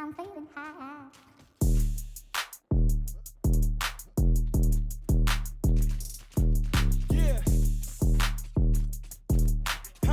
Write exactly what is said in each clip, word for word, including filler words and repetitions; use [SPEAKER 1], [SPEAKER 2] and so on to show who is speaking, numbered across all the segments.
[SPEAKER 1] I'm feeling high.
[SPEAKER 2] Yeah. Ha.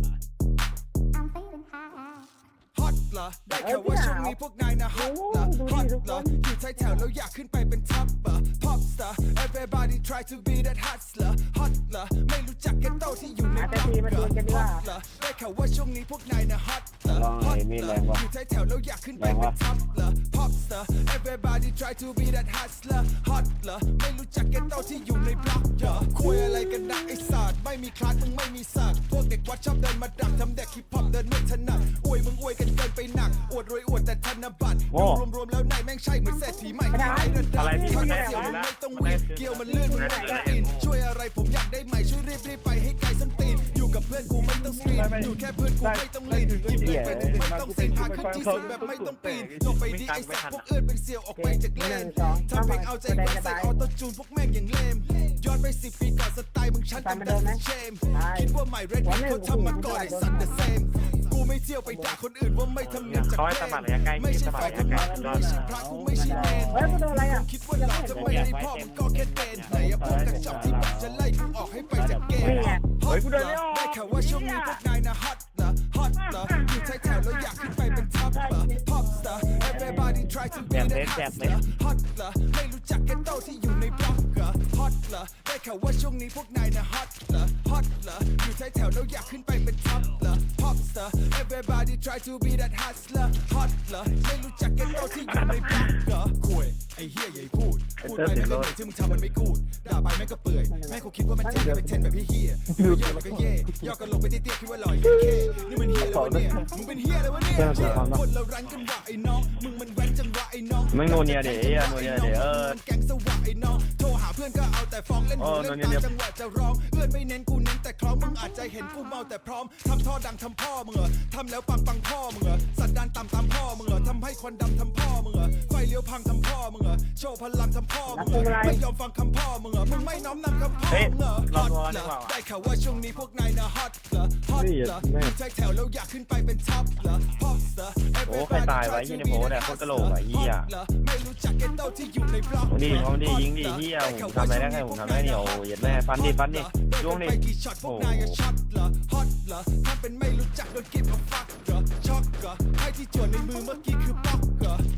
[SPEAKER 1] I'm feeling high.
[SPEAKER 2] ฮอตเหรอได้แค่ว่าช่วงนี้พวกนายนะฮอตเหรอฮอตเหรออยู่ท้ายแถวแล้วอยากขึ้นไปเป็นท็อปเหรอ Pop star everybody try to be that hustler ฮอตเหรอไม่รู้จักแกโต้ที่อยู่ในบล็อกเหรอฮอตเหรอได้แค่ว่าช่วงนี้พวกนายนะฮอตเหรอฮอตเหรออยู่ท้ายแถวแล้วอยากขึ้นไปเป็นท็อปเหรอ Pop star everybody try to be that hustler ฮอตเหรอไม่รู้จักแกโต้ที่อยู่ในบล็อกเหรอคุยอะไรกันนะไอ้สัตว์ไม่มีคลาสมึงไม่มีสักพวกเด็กวัดชอบเดินมาดักทำเด็กฮิปฮอปเดินไม่ถนัดอวยมึงอวยกันเกินไปหนักอวดรวยอวดแต่ธนบัตรดูรวมๆแล้วนายแม่งใช่เหมือนเศรษฐีใหม่ที่ไหนระดับถ้าเสี่ยวมึงไม่ต้องวิ่งเกี่ยวมันเลื่อนมึงไม่ต้องอินช่วยอะไรผมอยากได้ใหม่ช่วยรีบรีบไปให้ไกลส้นตีนอยู่กับเพื่อนกูไม่ต้องสกรีนอยู่แค่เพื่อนกูไม่ต้องลีนหยิบเงินไปหนึ่งไม่ต้องเซ็นพาขึ้นที่สูงแบบไม่ต้องปีนลงไปดีไอ้สัตว์พวกเอื้อนเป็นเสี่ยวออกไปจากเลนทำเพลงเอาใจแฟนใส่ออโต้จูนพวกแม่งอย่างเลมย้อนไปสิบปีก่อนสไตล์มึงชั้นจำได้เชมคิดว่าใหม่เรดเขาทำมาก่อนไอ้สัตว์ the same กูไม่เที่ยวไปด่าคนอื่นว่าไม่ทำเนียมจากเพลงไม่ใช่ฝ่ายธรรมะกูไม่ใช่พระกูไม่ใช่เนรคิดว่าเราจะไม่ได้พ่อมึงก็แค่เดนไหนอะพวกกระจอกที่บอกจะไล่กูออกให้ไปจากเกมฮอตเหรอได้แค่ว่าช่วงนี้พวกนายนะฮอตเหรอฮอตเหรออยู่ท้ายแถวแล้วอยากขึ้นไปเป็นท็อปเหรอ Pop star everybody try to be that hustler ฮอตเหรอไม่รู้จักแกโต้ที่อยู่ในบล็อกเหรอฮอตเหรอได้แค่ว่าช่วงนี้พวกนายนะฮอตเหรอฮอตเหรออยู่ท้ายแถวแล้วอยากขึ้นไปเป็นท็อปเหรอ Pop star everybody try to be that hustler ฮอตเหรอไม่รู้จักแกโต้ที่อยู่ในบล็อกเหรอคุยไอ้เฮียใหญ่พูดพูดไปแม่งก็เหนื่อยที่มึงทำมันไม่กูดด่าไปแม่งก็เปื่อยแม่งเขาคิดว่ามันเท่ไปเทนแบบเฮียๆอยู่เยอะแล้วก็เย่ย่อกันลงไปเตี้ยๆคิดว่าลอยเคนี่มันเฮียเลยวะเนี่ยมึงเป็นเฮียเลยวะเนี่ยคนเรารันกันว่ะไอ้น้องมึงมันแว้นจังวะไอ้น้อง
[SPEAKER 3] ไม่โนเนียเดี๋ยวไอ้โนเนียเดี๋ยวเออ
[SPEAKER 2] มันแกงสวะไอ้น้องโทรหาเพื่อนก็เอาแต่ฟ้องเล่นหูเล่นตาจังหวะจะร้องเอื้อนไม่เน้นกูเน้นแต่คล้องมึงอาจจะเห็นกูเมาแต่พร้อมทำท่อดังทำพ่อมึงเหรอทำแล้วปังปังพ่อมึงเหรอสันดานต่ำตามพ่อมึงเหรอทำให้ควันดำทำพ่อมึงเหรอไฟเลี้ยวพังทำพ่อมึงเหรอโชว์พลังทำพ่อมึงเหรอไม่ยอมฟังคำพ่อมึงเหรอมึงไม่น้อมนำคำพ่อมึงเหรอฮอตเหรอได้ข่าวว่าช่วงนี้พวกนายนะฮอตเหรอฮอตเหรออยู่ท้ายแถวแล้วอยากขึ้นไปเป็นท็อปเหรอฮอตเหรอ
[SPEAKER 3] โอ้ใครตายไว้ยี่ในโพสเนี่ยโคตรกระโหลกไอ้เหี้ย
[SPEAKER 2] ไม่รู้จักแกโต้ที่อยู่ในบล็อก
[SPEAKER 3] ดีพร้อมดียิงดีเหี้ยผมทำอะไรได้แค่ผมทำได้เนี่ยโอ้ยแม่ฟันดิฟันดิช่วงนี้
[SPEAKER 2] ไปกี่ช็อตพวกนายก็ช็อตเหรอฮอตเหรอถ้าเป็นไม่รู้จักโดนกิฟต์เอาฟักเหรอช็อกเหรอให้ที่จวนในมือเมื่อกี้คือบล็อกเหรอ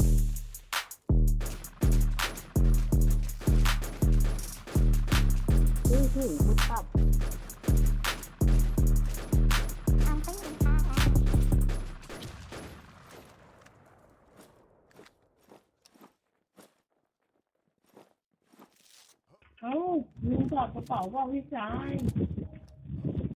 [SPEAKER 1] อือหือมุดตับ I'm feeling high.
[SPEAKER 4] เอ้าลืมถอดกระเป๋าว่าพี่ชาย